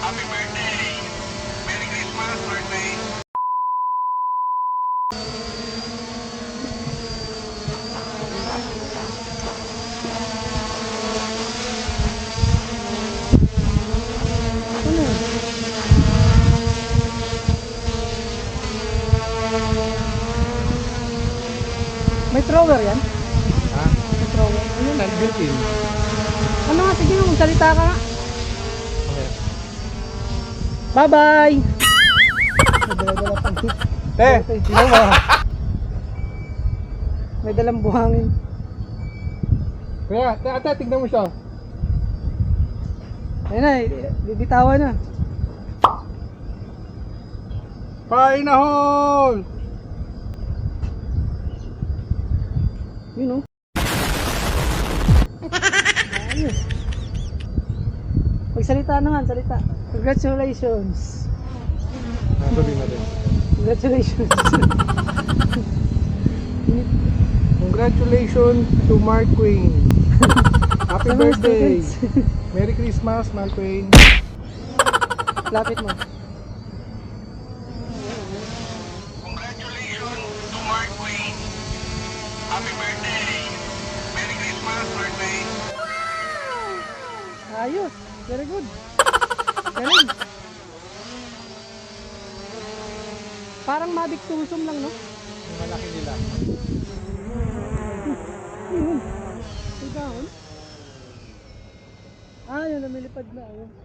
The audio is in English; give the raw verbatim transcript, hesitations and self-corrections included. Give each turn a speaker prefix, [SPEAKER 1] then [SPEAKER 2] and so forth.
[SPEAKER 1] Happy birthday! Merry Christmas, birthday!
[SPEAKER 2] Ano yun? May thrower yan?
[SPEAKER 3] Ha?
[SPEAKER 2] May thrower. Ayun.
[SPEAKER 3] Saan built-in?
[SPEAKER 2] Ano nga, sige nga, magsalita ka nga.
[SPEAKER 3] Okay.
[SPEAKER 2] Bye-bye! May dala-dala pang hit.
[SPEAKER 3] Eh, tingnan mo.
[SPEAKER 2] May dalang buhangin.
[SPEAKER 3] Kaya, ate, tingnan mo siya.
[SPEAKER 2] Ayun na, eh, bibitawan na.
[SPEAKER 3] Painahon!
[SPEAKER 2] Yun o. Ayos. Magsalita naman, salita. Congratulations.
[SPEAKER 3] Ah, sabihin natin.
[SPEAKER 2] Congratulations.
[SPEAKER 3] Congratulations to Mark Queen. Happy
[SPEAKER 2] Sa mga
[SPEAKER 3] birthday.
[SPEAKER 2] students.
[SPEAKER 3] Merry Christmas, Mark Queen.
[SPEAKER 2] Lapit mo.
[SPEAKER 1] Congratulations to Mark Queen! Happy birthday! Merry Christmas, birthday!
[SPEAKER 2] Ayos. Very good. Galing. Parang Mavic Tusum lang, no?
[SPEAKER 3] Yung malaki nila.
[SPEAKER 2] Ayun. May dahon. Ah, yun, lumilipad na. Ayun.